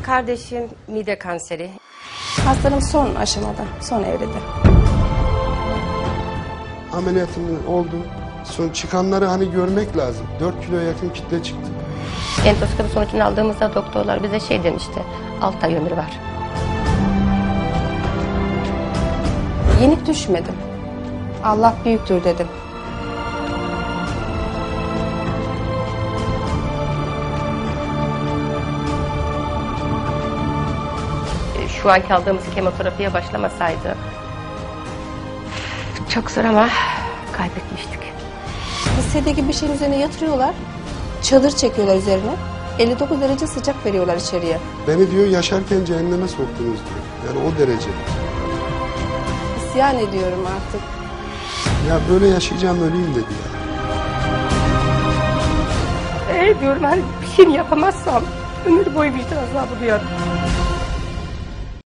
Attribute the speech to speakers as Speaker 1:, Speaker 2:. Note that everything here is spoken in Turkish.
Speaker 1: Kardeşim mide kanseri.
Speaker 2: Hastanım son aşamada, son evrede.
Speaker 3: Ameliyatım oldu. Son çıkanları hani görmek lazım. 4 kilo yakın kitle çıktı.
Speaker 1: Endoskopi sonucunu aldığımızda doktorlar bize şey demişti, 6 ay ömrü var.
Speaker 2: Yenik düşmedim. Allah büyüktür dedim.
Speaker 1: Şu anki aldığımız kemoterapiye başlamasaydı çok zor ama kaybetmiştik.
Speaker 2: Hissediği gibi bir şeyin üzerine yatırıyorlar. Çadır çekiyorlar üzerine. 59 derece sıcak veriyorlar içeriye.
Speaker 3: Beni diyor yaşarken cehenneme soktunuz diyor. Yani o derece.
Speaker 2: İsyan ediyorum artık.
Speaker 3: Ya böyle yaşayacağım öleyim dedi ya.
Speaker 1: Diyorum hani bir şey yapamazsam ömür boyu vicdan azabı duyarım.